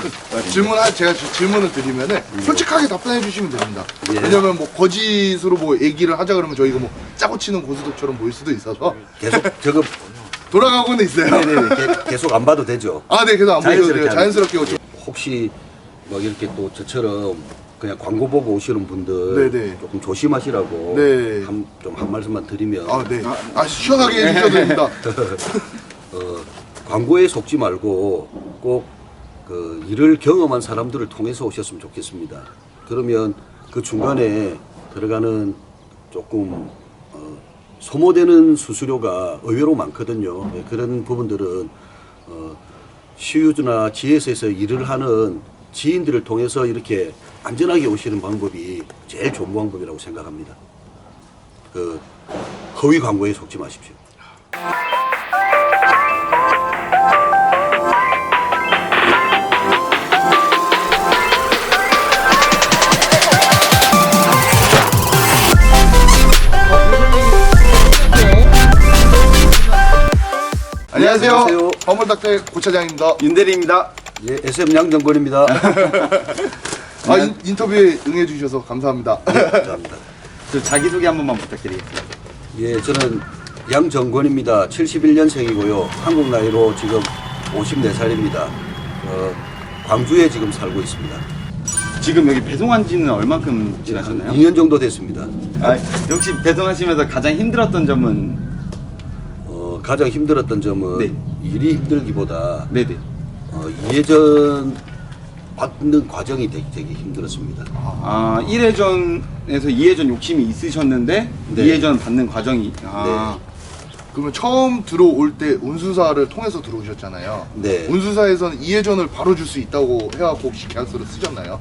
제가 질문을 드리면은 솔직하게 답변해 주시면 됩니다. 예. 왜냐면 뭐 거짓으로 뭐 얘기를 하자 그러면 저희가 뭐 짜고 치는 고스톱처럼 보일 수도 있어서 계속 저거 돌아가고는 있어요. 네네, 계속 안 봐도 되죠. 아, 네, 계속 안 보여도 돼요. 자연스럽게 오죠. 혹시 막 이렇게 또 저처럼 그냥 광고 보고 오시는 분들 네네. 조금 조심하시라고 네. 좀 한 말씀만 드리면 아, 네. 시원하게 해주셔도 됩니다. 광고에 속지 말고 꼭 그 일을 경험한 사람들을 통해서 오셨으면 좋겠습니다. 그러면 그 중간에 들어가는 조금 소모되는 수수료가 의외로 많거든요. 그런 부분들은 시유주나 GS에서 일을 하는 지인들을 통해서 이렇게 안전하게 오시는 방법이 제일 좋은 방법이라고 생각합니다. 그 허위 광고에 속지 마십시오. 안녕하세요. 화물닭대 고차장입니다. 윤대리입니다. 예, SM 양정권입니다. 인터뷰에 응해주셔서 감사합니다. 감사합니다. 저 자기소개 한 번만 부탁드리겠습니다. 예, 저는 양정권입니다. 71년생이고요. 한국 나이로 지금 54살입니다. 광주에 지금 살고 있습니다. 지금 여기 배송한 지는 얼만큼 지나셨나요? 2년 정도 됐습니다. 역시 배송하시면서 가장 힘들었던 점은? 가장 힘들었던 점은 네. 일이 힘들기보다 네네. 이해전 받는 과정이 되게 힘들었습니다. 1회전에서 2회전 욕심이 있으셨는데 네. 2회전 받는 과정이 그러면 처음 들어올 때 운수사를 통해서 들어오셨잖아요. 네. 운수사에서는 이해전을 바로 줄 수 있다고 해갖고 혹시 계약서를 쓰셨나요?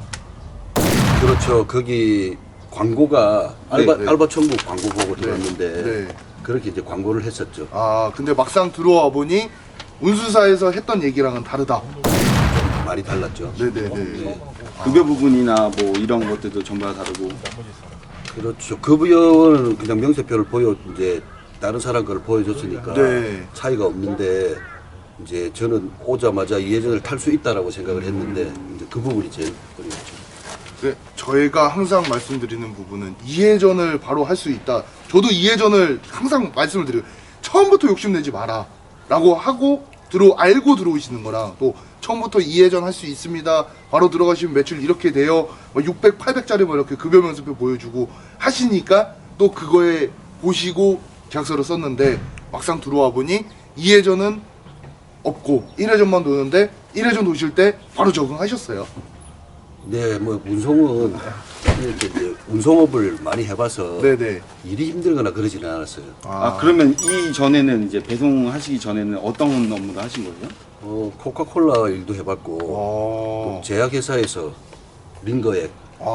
그렇죠. 거기 광고가 네, 네. 알바 천국 광고 보고 들어왔는데 네. 그렇게 이제 광고를 했었죠. 근데 막상 들어와 보니 운수사에서 했던 얘기랑은 다르다. 많이 달랐죠. 네네네. 급여 부분이나 뭐 이런 것들도 전부 다 다르고. 그렇죠. 급여는 그냥 명세표를 이제 다른 사람 걸 보여줬으니까 네. 차이가 없는데 이제 저는 오자마자 이해전을 탈 수 있다라고 생각을 했는데 이제 그 부분이 제일 어려웠죠. 네, 저희가 항상 말씀드리는 부분은 이해전을 바로 할 수 있다. 저도 이해전을 항상 말씀을 드려요. 처음부터 욕심내지 마라 라고 하고 알고 들어오시는 거랑 또 처음부터 이해전 할 수 있습니다. 바로 들어가시면 매출 이렇게 돼요. 600, 800짜리 뭐 이렇게 급여 명세표 보여주고 하시니까 또 그거에 보시고 계약서를 썼는데 막상 들어와 보니 이해전은 없고 1회전만 도는데 1회전 도실 때 바로 적응하셨어요. 네, 뭐 운송은 이렇게 이제 운송업을 많이 해봐서 네네. 일이 힘들거나 그러지는 않았어요. 그러면 이전에는 이제 배송하시기 전에는 어떤 업무를 하신 거예요? 코카콜라 일도 해봤고 또 제약회사에서 링거액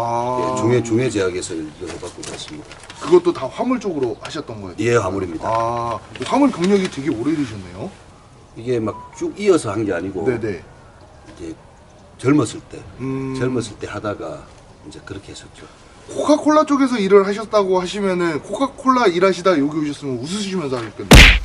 중에 제약회사 일도 해봤고 그렇습니다. 그것도 다 화물 쪽으로 하셨던 거예요? 예, 화물입니다. 화물 경력이 되게 오래되셨네요. 이게 막 쭉 이어서 한 게 아니고 네네. 이제 젊었을 때 하다가 이제 그렇게 했었죠. 코카콜라 쪽에서 일을 하셨다고 하시면은 코카콜라 일하시다 여기 오셨으면 웃으시면서 하셨겠네요.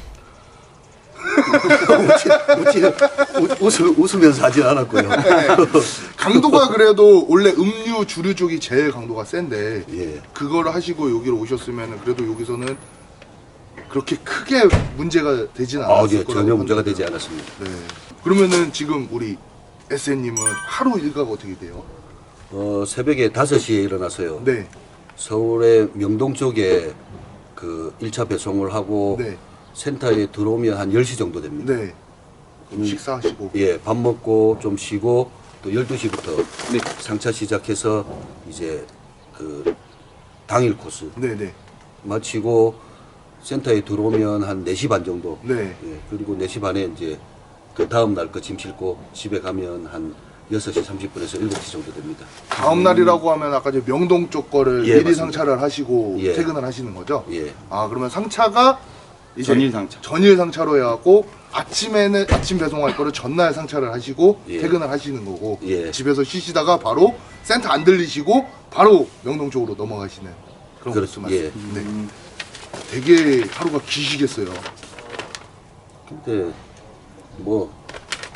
웃으면서 하진 않았고요. 강도가 그래도 원래 음료 주류 쪽이 제일 강도가 센데 예. 그걸 하시고 여기로 오셨으면은 그래도 여기서는 그렇게 크게 문제가 되진 않았을 예, 거라고 전혀 문제가 합니다. 되지 않았습니다. 네. 그러면은 지금 우리 SN님은 하루 일과가 어떻게 돼요? 새벽에 5시에 일어나서요. 네. 서울의 명동 쪽에 그 1차 배송을 하고 네. 센터에 들어오면 한 10시 정도 됩니다. 네. 그럼 식사하시고. 예, 밥 먹고 좀 쉬고 또 12시부터 네. 상차 시작해서 이제 그 당일 코스 네네. 마치고 센터에 들어오면 한 4시 반 정도. 네. 예, 그리고 4시 반에 이제 그 다음 날 거 짐 싣고 집에 가면 한 6시 30분에서 7시 정도 됩니다. 다음 날이라고 하면 아까 이제 명동 쪽 거를 예, 미리 맞습니다. 상차를 하시고 예. 퇴근을 하시는 거죠? 예. 그러면 상차가 이제 전일 상차. 전일 상차로 해갖고 아침에는 아침 배송할 거를 전날 상차를 하시고 예. 퇴근을 하시는 거고 예. 집에서 쉬시다가 바로 센터 안 들리시고 바로 명동 쪽으로 넘어가시는 그런 그렇죠. 코스 예. 말씀. 네. 되게 하루가 기시겠어요. 근데 뭐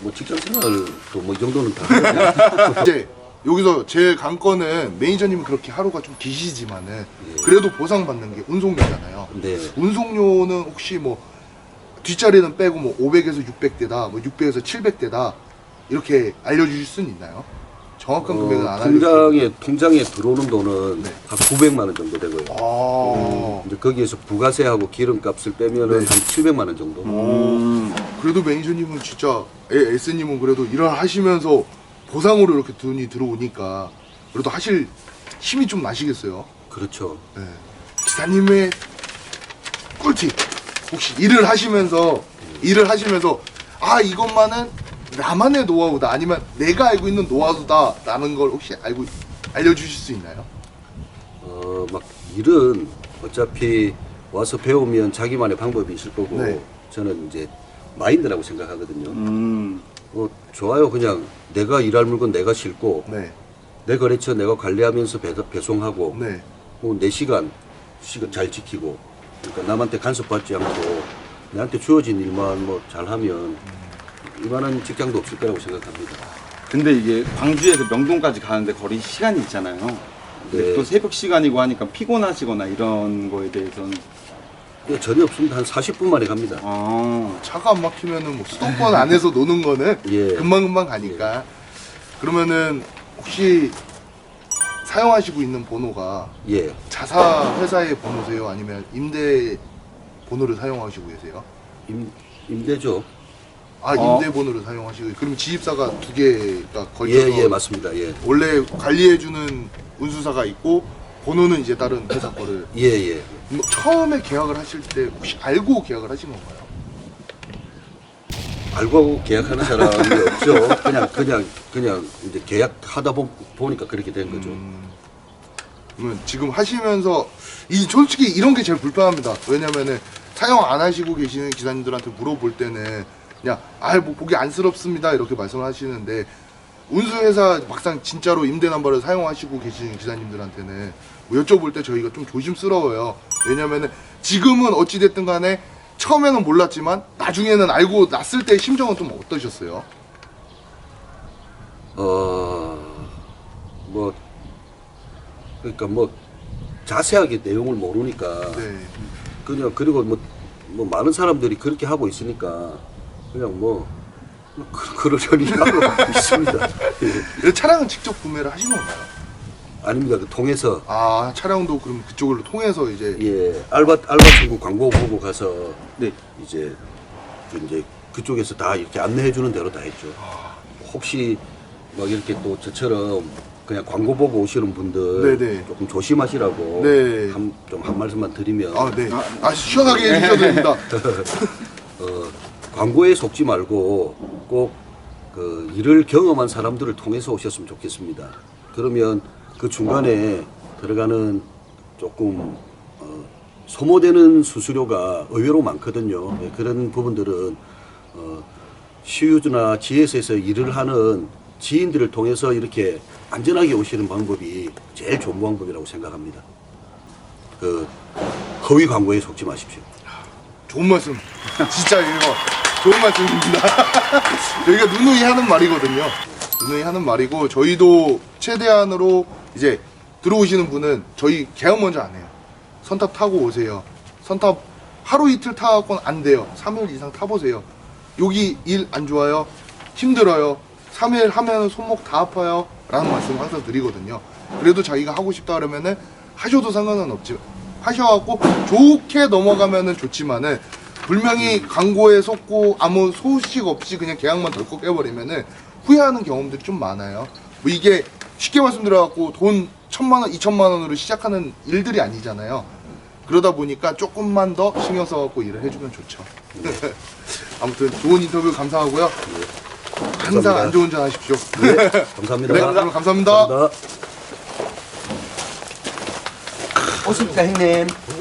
뭐 직장 생활도 뭐 이 정도는 다 하거든요. 이제 여기서 제일 관건은 매니저님은 그렇게 하루가 좀 기시지만은 그래도 보상받는 게 운송료잖아요. 네. 운송료는 혹시 뭐 뒷자리는 빼고 뭐 500에서 600대다, 뭐 600에서 700대다 이렇게 알려주실 수는 있나요? 정확한 금액은 안 알려주세요. 통장에 들어오는 돈은 네. 한 900만 원 정도 되고요. 아, 이제 거기에서 부가세하고 기름값을 빼면은 네. 한 700만 원 정도. 그래도 매니저님은 진짜 S님은 그래도 일을 하시면서 보상으로 이렇게 돈이 들어오니까 그래도 하실 힘이 좀 나시겠어요. 그렇죠. 네. 기사님의 꿀팁 혹시 일을 하시면서 아 이것만은 나만의 노하우다 아니면 내가 알고 있는 노하우다라는 걸 혹시 알려주실 수 있나요? 막 일은 어차피 와서 배우면 자기만의 방법이 있을 거고 네. 저는 이제 마인드라고 생각하거든요. 좋아요. 그냥 내가 일할 물건 내가 싣고 네, 내 거래처 내가 관리하면서 배송하고 네, 내 시간 잘 지키고 그러니까 남한테 간섭받지 않고 내한테 주어진 일만 뭐 잘하면 이만한 직장도 없을 거라고 생각합니다. 근데 이게 광주에서 명동까지 가는데 거리 시간이 있잖아요. 근데 네. 또 새벽 시간이고 하니까 피곤하시거나 이런 거에 대해서는 전혀 없습니다. 한 40분 만에 갑니다. 차가 안 막히면은 뭐 수도권 안에서 노는 거는 예. 금방금방 가니까 그러면은 혹시 사용하시고 있는 번호가 예. 자사 회사의 번호세요? 아니면 임대 번호를 사용하시고 계세요? 임대죠. 아 임대 번호를 사용하시고 그럼 지입사가 두 개가 걸쳐서 예, 맞습니다. 예. 원래 관리해주는 운수사가 있고 번호는 이제 다른 회사 거를 예. 뭐 처음에 계약을 하실 때 혹시 알고 계약을 하신 건가요? 알고 계약하는 사람이 없죠. 그냥 이제 계약하다 보니까 그렇게 된 거죠. 그러면 지금 하시면서 솔직히 이런 게 제일 불편합니다. 왜냐면은 사용 안 하시고 계시는 기사님들한테 물어볼 때는 그냥 뭐 보기 안쓰럽습니다 이렇게 말씀을 하시는데 운수회사 막상 진짜로 임대 남바를 사용하시고 계시는 기사님들한테는 뭐 여쭤볼 때 저희가 좀 조심스러워요. 왜냐면은 지금은 어찌됐든 간에 처음에는 몰랐지만 나중에는 알고 났을 때 심정은 좀 어떠셨어요? 그러니까 자세하게 내용을 모르니까 네. 그리고 뭐 많은 사람들이 그렇게 하고 있으니까 그냥 그러려니 하고 있습니다. 예. 차량은 직접 구매를 하신 건가요? 아닙니다. 통해서 아 차량도 그럼 그쪽으로 통해서 이제 예 알바 친구 광고 보고 가서 네. 이제 그쪽에서 다 이렇게 안내해 주는 대로 다 했죠. 혹시 막 이렇게 또 저처럼 그냥 광고 보고 오시는 분들 네네. 조금 조심하시라고 네. 한 말씀만 드리면 네. 시원하게 해주셔도 됩니다. 광고에 속지 말고 꼭 그 일을 경험한 사람들을 통해서 오셨으면 좋겠습니다. 그러면 그 중간에 들어가는 조금 소모되는 수수료가 의외로 많거든요. 그런 부분들은 시유주나 GS에서 일을 하는 지인들을 통해서 이렇게 안전하게 오시는 방법이 제일 좋은 방법이라고 생각합니다. 허위 광고에 속지 마십시오. 좋은 말씀. 진짜 이거 좋은 말씀입니다. 저희가 누누이 하는 말이거든요. 누누이 하는 말이고 저희도 최대한으로 이제 들어오시는 분은 저희 계약 먼저 안 해요. 선탑 타고 오세요. 선탑 하루 이틀 타고는 안 돼요. 3일 이상 타보세요. 여기 일 안 좋아요? 힘들어요? 3일 하면 손목 다 아파요? 라는 말씀 항상 드리거든요. 그래도 자기가 하고 싶다 그러면은 하셔도 상관은 없지. 하셔갖고 좋게 넘어가면은 좋지만은 분명히 광고에 속고 아무 소식 없이 그냥 계약만 덜컥 해버리면은 후회하는 경험들이 좀 많아요. 뭐 이게 쉽게 말씀드려갖고 돈 1,000만 원, 2,000만 원으로 시작하는 일들이 아니잖아요. 그러다 보니까 조금만 더 신경 써갖고 일을 해주면 좋죠. 아무튼 좋은 인터뷰 감사하고요. 항상 안전운전 하십시오. 네, 감사합니다. 네, 그럼 감사합니다. 감사합니다. 오십니까 형님?